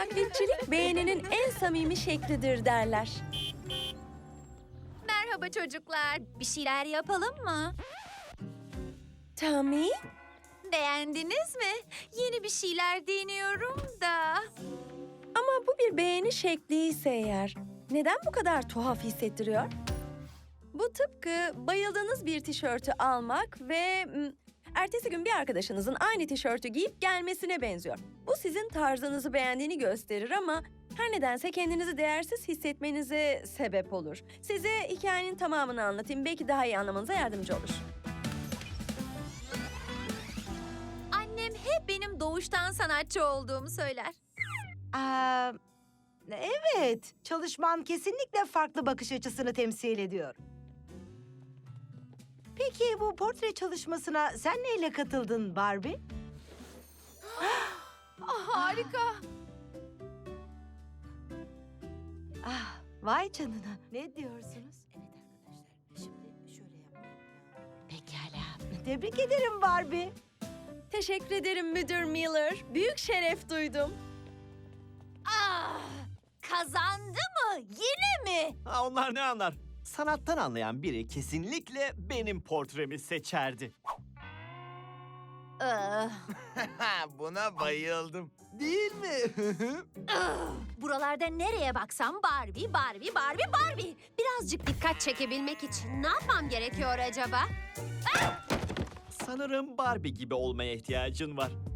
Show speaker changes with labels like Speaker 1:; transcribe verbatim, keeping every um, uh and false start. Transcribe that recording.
Speaker 1: Taklitçilik beğeninin en samimi şeklidir derler.
Speaker 2: Merhaba çocuklar. Bir şeyler yapalım mı?
Speaker 1: Tommy,
Speaker 2: Beğendiniz mi? Yeni bir şeyler deniyorum da.
Speaker 1: ama bu bir beğeni şekli ise eğer, neden bu kadar tuhaf hissettiriyor? Bu tıpkı bayıldığınız bir tişörtü almak ve mm, ertesi gün bir arkadaşınızın aynı tişörtü giyip gelmesine benziyor. Bu sizin tarzınızı beğendiğini gösterir ama her nedense kendinizi değersiz hissetmenize sebep olur. Size hikayenin tamamını anlatayım, belki daha iyi anlamanıza yardımcı olur.
Speaker 2: Annem hep benim doğuştan sanatçı olduğumu söyler.
Speaker 3: Aa, evet, çalışman kesinlikle farklı bakış açısını temsil ediyor. Peki bu portre çalışmasına sen neyle katıldın Barbie?
Speaker 2: Ah, harika.
Speaker 3: Ah, vay canına. Ne diyorsunuz? Evet arkadaşlar, şimdi şöyle yapmayı Pekala. Tebrik ederim Barbie.
Speaker 1: Teşekkür ederim Müdür Miller. Büyük şeref duydum.
Speaker 2: Ah, kazandı mı? Yine mi?
Speaker 4: Ha, onlar ne anlar? Sanattan anlayan biri kesinlikle benim portremi seçerdi.
Speaker 2: Ah,
Speaker 5: Buna bayıldım. Değil mi?
Speaker 2: ah. Buralarda nereye baksam Barbie, Barbie, Barbie, Barbie. Birazcık dikkat çekebilmek için ne yapmam gerekiyor acaba?
Speaker 4: Sanırım Barbie gibi olmaya ihtiyacın var.